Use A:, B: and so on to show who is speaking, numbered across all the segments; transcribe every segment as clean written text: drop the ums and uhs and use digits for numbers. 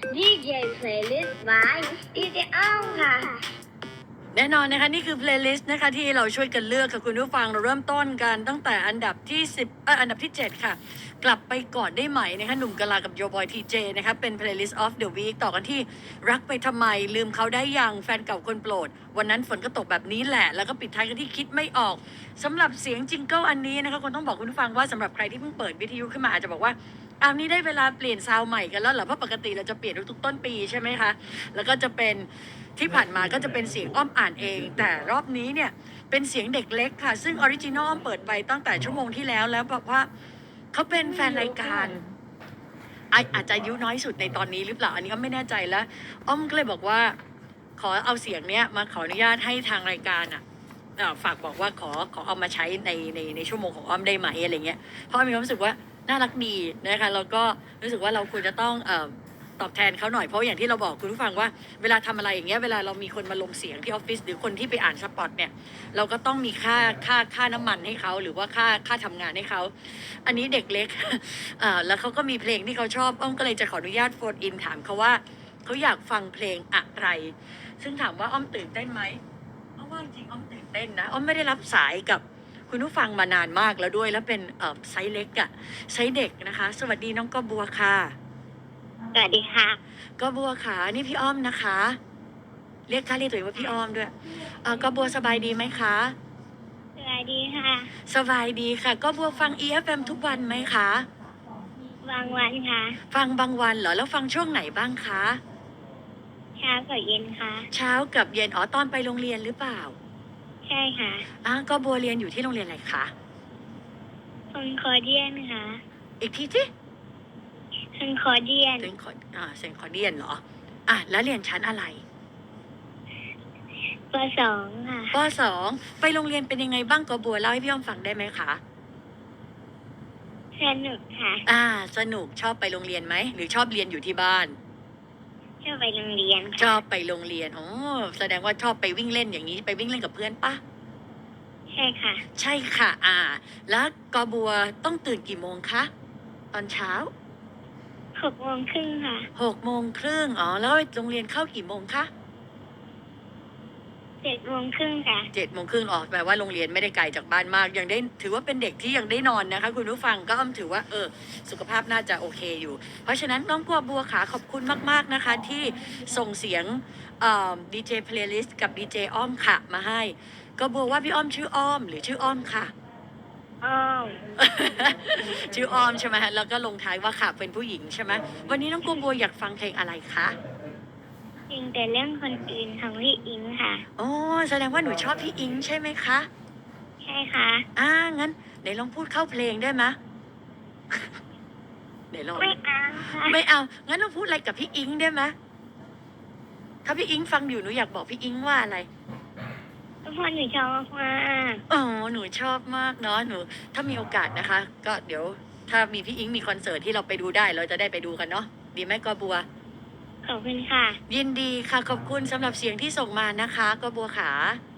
A: DJ Playlist by DJ อ้อมค่ะ
B: แน่นอนนะคะนี่คือเพลย์ลิสต์นะคะที่เราช่วยกันเลือกค่ะคุณผู้ฟังเราเริ่มต้นกันตั้งแต่อันดับที่อันดับที่7ค่ะกลับไปก่อนได้ไหมนะคะหนุ่มกะลากับโยบอยทีเจนะคะเป็น Playlist of the Week ต่อกันที่รักไปทำไมลืมเขาได้ยังแฟนเก่าคนโปรดวันนั้นฝนก็ตกแบบนี้แหละแล้วก็ปิดท้ายกันที่คิดไม่ออกสำหรับเสียงจิงเกิลอันนี้นะคะคนต้องบอกคุณผู้ฟังว่าสำหรับใครที่เพิ่งเปิดวิทยุขึ้นมาอาจจะบอกว่าอันนี้ได้เวลาเปลี่ยนซาวด์ใหม่กันแล้วเหรอเพราะปกติเราจะเปลี่ยนทุกๆต้นปีใช่ไหมคะแล้วก็จะเป็นที่ผ่านมาก็จะเป็นเสียงอ้อมอ่านเองแต่รอบนี้เนี่ยเป็นเสียงเด็กเล็กค่ะซึ่งออริจินอลอ้อมเปิดไปตั้งแต่ชั่วโมงที่แล้วบอกว่าเขาเป็นแฟนรายการอาจจะอายุน้อยสุดในตอนนี้หรือเปล่าอันนี้ก็ไม่แน่ใจแล้วอ้อมก็เลยบอกว่าขอเอาเสียงเนี้ยมาขออนุญาตให้ทางรายการฝากบอกว่าขอเอามาใช้ในชั่วโมงของอ้อมได้ไหมอะไรเงี้ยเพราะอ้อมมีความรู้สึกว่าน่ารักดีนะคะแล้วก็รู้สึกว่าเราควรจะต้องตอบแทนเขาหน่อยเพราะอย่างที่เราบอกคุณผู้ฟังว่าเวลาทำอะไรอย่างเงี้ยเวลาเรามีคนมาลงเสียงที่ออฟฟิศหรือคนที่ไปอ่านสปอตเนี่ยเราก็ต้องมีค่าน้ำมันให้เขาหรือว่าค่าทำงานให้เขาอันนี้เด็กเล็กแล้วเขาก็มีเพลงที่เขาชอบอ้อมก็เลยจะขออนุญาตโฟนอินถามเขาว่าเขาอยากฟังเพลงอะไรซึ่งถามว่าอ้อมตื่นเต้นไหมอ้อมว่าจริงอ้อมตื่นเต้นนะอ้อมไม่ได้รับสายกับคุณผู้ฟังมานานมากแล้วด้วยแล้วเป็นไซส์เล็กไซส์เด็กนะคะสวัสดีน้องกบัวค่ะ
A: สวัสดีค่ะ
B: กบัวขานี่พี่อ้อมนะคะเรียกตัวเองว่าพี่อ้อมด้วยกบัวสบายดีไหมคะ
A: สวัสดีค่ะ
B: สบายดีค่ะกบัวฟัง EFM ทุกวันไหมคะ
A: บางวันค่ะ
B: ฟังบางวันเหรอแล้วฟังช่วงไหนบ้างคะ
A: เช้ากับเย็นค่ะ
B: เช้ากับเย็นตอนไปโรงเรียนหรือเปล่า
A: ใช่ค่ะ
B: กบัวเรียนอยู่ที่โรงเรียนอะไรคะ
A: คอนคอร์เดียนค่ะ
B: อีกทีสิ
A: คอนคอร์เดียน
B: เซนคอร์เดียนเหรอแล้วเรียนชั้นอะไร
A: ป.2 ค่ะ
B: ป.2 ไปโรงเรียนเป็นยังไงบ้างกบัวเล่าให้พี่อ้อมฟังได้ไหมคะ
A: สนุกค่ะ
B: สนุกชอบไปโรงเรียนไหมหรือชอบเรียนอยู่ที่บ้าน
A: ชอบไปโรงเรียน
B: ชอบไปโรงเรียนแสดงว่าชอบไปวิ่งเล่นอย่างนี้ไปวิ่งเล่นกับเพื่อนปะ
A: ใช่ค่ะ
B: ใช่ค่ะแล้วกบัวต้องตื่นกี่โมงคะตอนเช้า
A: 6:30ค่ะ
B: 6:30แล้วโรงเรียนเข้ากี่โมงคะ
A: 7:30ค่ะ
B: 7:30แปลว่าโรงเรียนไม่ได้ไกลจากบ้านมากยังได้ถือว่าเป็นเด็กที่ยังได้นอนนะคะคุณผู้ฟังก็อ้อมถือว่าสุขภาพน่าจะโอเคอยู่เพราะฉะนั้นน้องกบัวขาขอบคุณมากๆนะคะที่ส่งเสียงดีเจเพลย์ลิสต์กับดีเจอ้อมค่ะมาให้ก็บัวว่าพี่อ้อมชื่ออ้อมหรือชื่ออ้อมค่ะ
A: อ้อม
B: ชื่ออ้อมใช่ไหมแล้วก็ลงท้ายว่าค่ะเป็นผู้หญิงใช่ไหมวันนี้น้องกบัวอยากฟังเพลงอะไรคะ
A: จริงแต่เรื่องคนอื่นของพี่อิงค่ะ
B: แสดงว่าหนูชอบพี่อิงใช่ไหมคะ
A: ใช่ค่ะ
B: งั้นไหนลองพูดเข้าเพลงได้ไหมไหนลอง
A: ไม่เอาค่ะ
B: ไม่เอางั้นเราพูดอะไรกับพี่อิงได้ไหมถ้าพี่อิงฟังอยู่หนูอยากบอกพี่อิงว่าอะไร
A: เพราะหนูชอบมาก
B: หนูชอบมากเนาะหนูถ้ามีโอกาสนะคะก็เดี๋ยวถ้ามีพี่อิงมีคอนเสิร์ตที่เราไปดูได้เราจะได้ไปดูกันเนาะดีไหมกบัว
A: ขอบคุณค่ะ
B: ยินดีค่ะขอบคุณสำหรับเสียงที่ส่งมานะคะกบัวขา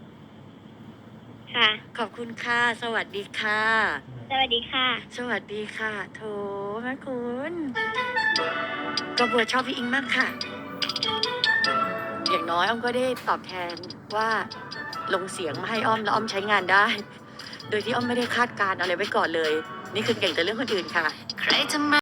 A: ค่ะ
B: ขอบคุณค่ะสวัสดีค่ะ
A: สวัสดีค่ะ
B: สวัสดีค่ะโถแม่คุณกบัวชอบพี่อิงมากค่ะอย่างน้อยอ้อมก็ได้ตอบแทนว่าลงเสียงมาให้อ้อมแล้วอ้อมใช้งานได้โดยที่อ้อมไม่ได้คาดการอะไรไว้ก่อนเลยนี่คือเก่งแต่เรื่องคนอื่นค่ะใครจะมา